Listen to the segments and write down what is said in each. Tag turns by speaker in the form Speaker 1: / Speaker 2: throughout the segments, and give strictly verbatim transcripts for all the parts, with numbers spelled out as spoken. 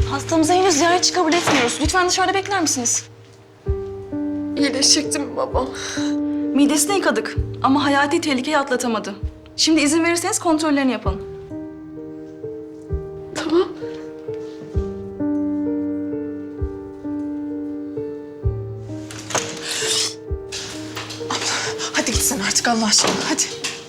Speaker 1: Hastamıza henüz ziyaretçi kabul etmiyoruz. Lütfen dışarıda bekler misiniz?
Speaker 2: İyileşecekti mi babam?
Speaker 1: Midesini yıkadık ama hayati tehlikeyi atlatamadı. Şimdi izin verirseniz kontrollerini yapalım.
Speaker 2: Tamam.
Speaker 3: Hadi git sen artık Allah aşkına, hadi.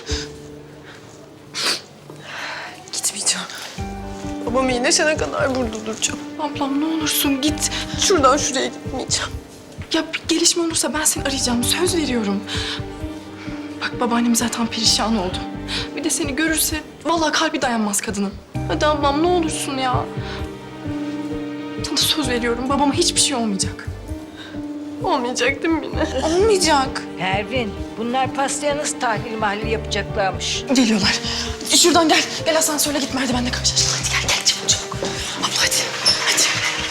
Speaker 3: Gitmeyeceğim.
Speaker 2: Babam iyileşene kadar burada duracağım.
Speaker 3: Ablam ne olursun git.
Speaker 2: Şuradan şuraya gitmeyeceğim.
Speaker 3: Ya bir gelişme olursa ben seni arayacağım, söz veriyorum. Bak babaannem zaten perişan oldu. Bir de seni görürse vallahi kalbi dayanmaz kadının. Hadi ablam ne olursun ya. Sana söz veriyorum, babama hiçbir şey olmayacak.
Speaker 2: Olmayacak değil mi yine?
Speaker 3: Olmayacak.
Speaker 4: Pervin, bunlar pastaya nasıl tahlil mahlil yapacaklarmış?
Speaker 3: Geliyorlar. Şuradan gel. Gel asansörle git merdivenle karşılaşalım. Hadi gel gel çabuk çabuk. Abla hadi. Hadi.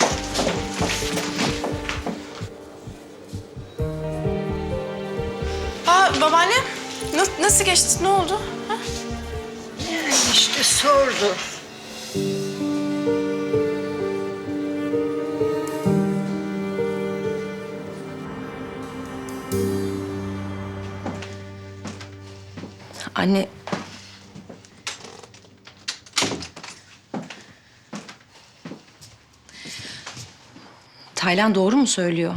Speaker 3: Aa babaannem. Nasıl, nasıl geçti? Ne oldu? Ha?
Speaker 4: Yani işte sordu.
Speaker 1: Anne... Taylan doğru mu söylüyor?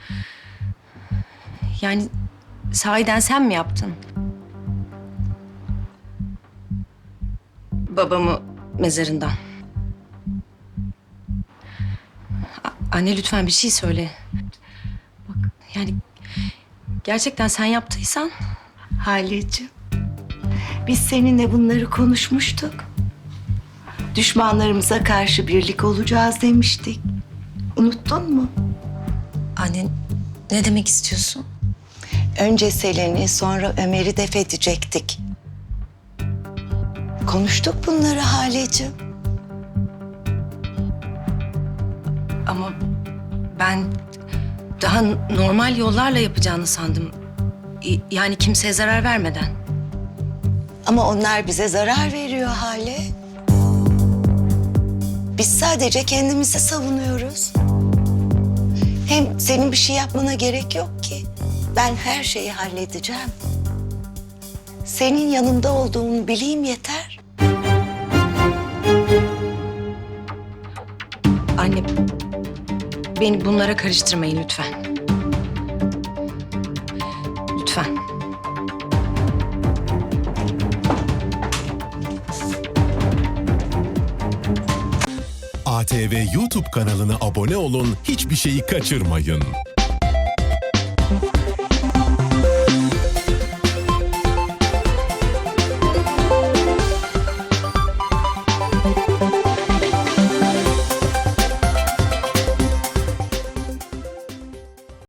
Speaker 1: Yani sahiden sen mi yaptın? Babamı mezarından. A- Anne lütfen bir şey söyle. Bak yani gerçekten sen yaptıysan...
Speaker 5: Haleciğim, biz seninle bunları konuşmuştuk. Düşmanlarımıza karşı birlik olacağız demiştik. Unuttun mu?
Speaker 1: Anne ne demek istiyorsun?
Speaker 5: Önce Selen'i, sonra Ömer'i def edecektik. Konuştuk bunları Haleciğim.
Speaker 1: Ama ben daha normal yollarla yapacağını sandım. Y- Yani kimseye zarar vermeden.
Speaker 5: Ama onlar bize zarar veriyor Hale. Biz sadece kendimizi savunuyoruz. Hem senin bir şey yapmana gerek yok ki. Ben her şeyi halledeceğim. Senin yanında olduğumu bileyim yeter.
Speaker 1: Anne, beni bunlara karıştırmayın lütfen. Lütfen.
Speaker 6: A T V YouTube kanalına abone olun, hiçbir şeyi kaçırmayın.